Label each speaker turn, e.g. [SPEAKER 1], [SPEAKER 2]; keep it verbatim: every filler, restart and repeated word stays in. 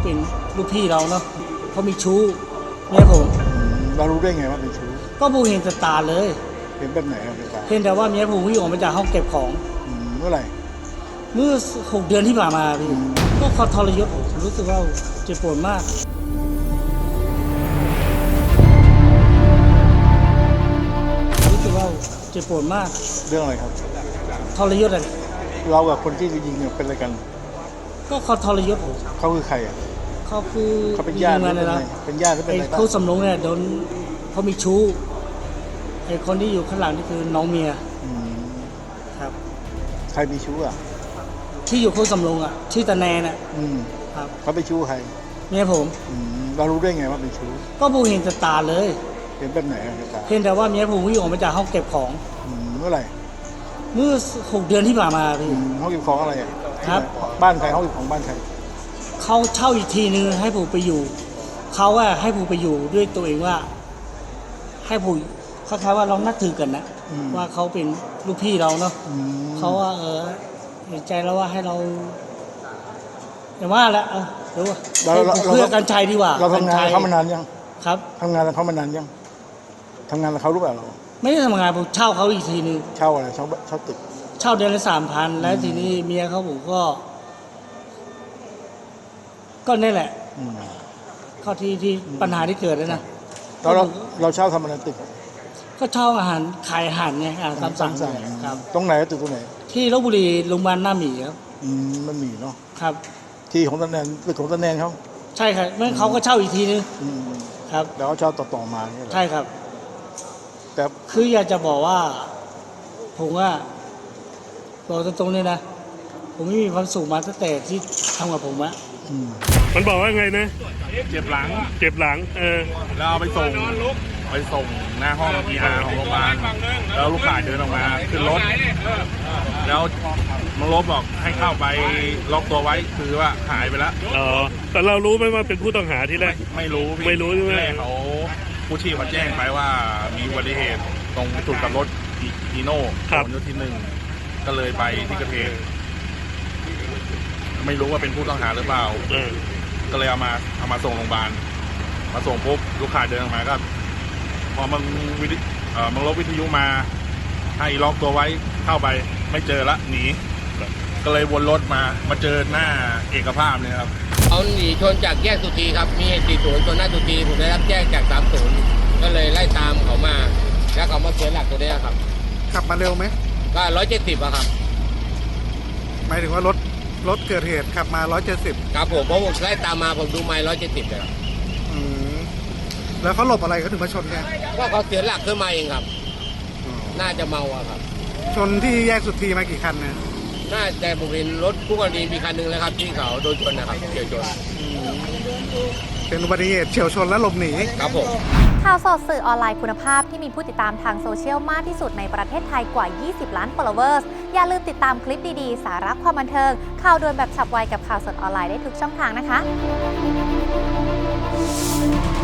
[SPEAKER 1] เป็นลูกพี่เราเนาะเขามีชู้เนี่ยผม
[SPEAKER 2] เรารู้ได้ไงว่าเป็นชู้
[SPEAKER 1] ก็ผมเห็นตาเลย
[SPEAKER 2] เห็นแบบไหนครับตา
[SPEAKER 1] เห็นแต่ว่าเมียผมวิ่งออกมาจากห้องเก็บของ
[SPEAKER 2] เมื่อไหร่
[SPEAKER 1] เมื่อหกเดือนที่ผ่านมาพี่ก็เขาทรยศผมรู้สึกว่าเจ็บปวดมากรู้สึกว่าเจ็บปวดมาก
[SPEAKER 2] เรื่องอะไรครับ
[SPEAKER 1] ทรยศอะไร
[SPEAKER 2] เรากับคนที่ยิงเนี่ยเป็นอะไรกัน
[SPEAKER 1] ก็เขาทรยศผม
[SPEAKER 2] เขาคือใครอ่ะ
[SPEAKER 1] เขาคือ
[SPEAKER 2] เขาเป็นญาติอะไรนะเป็นญาติหรือเป็นอะไร
[SPEAKER 1] เขาสำนงเนี่ยโดนเขามีชู้ไอ้คนที่อยู่ข้างหลังนี่คือน้องเมียครับ
[SPEAKER 2] ใครมีชู้อ่ะ
[SPEAKER 1] ที่อยู่โคกสำโรงอ่ะชื่อตาแนนอ่ะ
[SPEAKER 2] ครับเขาไปชู้ใคร
[SPEAKER 1] เมียผม
[SPEAKER 2] เรารู้ได้ไงว่าเป็นชู้
[SPEAKER 1] ก็ผมเห็นตาเลย
[SPEAKER 2] เห็นแบบไหนครับตา
[SPEAKER 1] เห็นแต่ว่าเมียผมวิ่งออกมาจากห้องเก็บของ
[SPEAKER 2] เมื่อไหร่
[SPEAKER 1] เมื่อหกเดือนที่ผ่านมาพี่
[SPEAKER 2] ห้องเก็บของอะไรอ่ะ
[SPEAKER 1] ครับ
[SPEAKER 2] บ้านใครห้องเก็บของบ้านใคร
[SPEAKER 1] เขาเช่าอีกทีนึงให้ผมไปอยู่เขาว่าให้ผมไปอยู่ด้วยตัวเองว่าให้ผมคล้ายๆว่าเรานับถือกันนะว่าเขาเป็นลูกพี่เราเนาะเขาว่าเออเห็นใจแล้วว่าให้เราอย่าว่าแล้วเออเดี๋ยวเพื่อการชัยดีกว่า
[SPEAKER 2] เราทำงานเขามานานยัง
[SPEAKER 1] ครับ
[SPEAKER 2] ทำงานเขามานานยังทำงานเขารู้เปล่าเรา
[SPEAKER 1] ไม่ได้ทำงานผมเช่าเขาอีกทีนึง
[SPEAKER 2] เช่าอะไรเช่าเช่าตึก
[SPEAKER 1] เช่าเดือนละสามพันแล้วทีนี้เมียเขาผมก็ก็นี่แหละเข้าที่ที่ปัญหาที่เกิดแล้วนะ
[SPEAKER 2] เราเราเช่าทำอะไรตึก
[SPEAKER 1] ก็เช่าอาหารขายอาหารไงอาหารตามสั่งครับ
[SPEAKER 2] ตรงไหนตึกตรงไหน
[SPEAKER 1] ที่ลพบุรีโรงพยาบาลหน้าหมีครับ
[SPEAKER 2] อืมมันมีเนาะ
[SPEAKER 1] ครับ
[SPEAKER 2] ที่ของตาแนนตึกของตาแนนเขา
[SPEAKER 1] ใช่ครับเมื่อเขาก็เช่าอีกทีนึงครับ
[SPEAKER 2] แล้วเขาเช่าต่อๆมา
[SPEAKER 1] ใช่ครับ
[SPEAKER 2] แต่
[SPEAKER 1] คืออยากจะบอกว่าผมว่าบอกตรงๆเลยนะผมไม่มีความสุขมาตั้งแต่ที่ทำกับผมอะ
[SPEAKER 3] มันบอกว่าไงนะ
[SPEAKER 4] เจ็บหลัง
[SPEAKER 3] เจ็บหลังเออ
[SPEAKER 4] แล้วเอาไปส่งไปส่งหน้าห้องพีอาร์ของโรงพยาบาลแล้วลูกข่ายเดินออกมาขึ้นรถแล้วมังลบบอกให้เข้าไปล็อกตัวไว้คือว่าหายไปแล้ว
[SPEAKER 3] อ๋อแต่เรารู้ไหมว่าเป็นผู้ต้องหาที่แรก
[SPEAKER 4] ไม่รู้
[SPEAKER 3] ไม่รู้ใช่ไหม
[SPEAKER 4] เขาผู้ชีพเขาแจ้งไปว่ามีอุบัติเหตุตรงจุดกลับรถอีโน่ถนนยุทธที่หนึ่งก็เลยไปที่เกิดเหตุไม่รู้ว่าเป็นผู้ต้องหาหรือเปล่าก็เลยเอามาเอามาส่งโรงพยาบาลมาส่งปุ๊บลูกค้าเดินออกมาก็พอมันวิทเอ่อมันลบวิทยุมาให้ล็อกตัวไว้เข้าไปไม่เจอละหนีก็เลยวนรถมามาเจอหน้าเอกภาพเลยครับ
[SPEAKER 5] เอาหนีชนจากแยกสุธีครับมีเหตุสี่ศูนย์ชนหน้าสุธีผมได้รับแจ้งจากสามศูนย์ก็เลยไล่ตามเขามาแล้วเขามาเสียหลักตัวนี้ครับ
[SPEAKER 2] ขับมาเร็วไหม
[SPEAKER 5] ก็ร้อยเจ็ดสิบอะครับ
[SPEAKER 2] หมายถึงว่ารถรถเกิดเหตุขับมาร้อยเจ็ดสิบ
[SPEAKER 5] ครับผมเพราะผมไล่ตามมาผมดูไมล์ร้อยเจ็ดสิบเลยครับ
[SPEAKER 2] แล้วเขาหลบอะไรเขาถึงมาชนเนี่ย
[SPEAKER 5] ก็เขาเสียหลักขึ้นมาเองครับน่าจะเมาอะครับ
[SPEAKER 2] ชนที่แยกสุธีมากี่คันเนี่ย
[SPEAKER 5] น่าจะผมเห็นรถคู่กรณีมีคันหนึ่งแล้วครับที่เขาโดนชนนะครับเฉียวชน
[SPEAKER 2] เป็นอุบัติเหตุเฉียวชนและหลบหนี
[SPEAKER 5] ครับผม
[SPEAKER 6] ข่าวสดสื่อออนไลน์คุณภาพที่มีผู้ติดตามทางโซเชียลมากที่สุดในประเทศไทยกว่ายี่สิบล้าน followers อย่าลืมติดตามคลิปดีๆสาระความบันเทิงข่าวด่วนแบบฉับไวกับข่าวสดออนไลน์ได้ทุกช่องทางนะคะ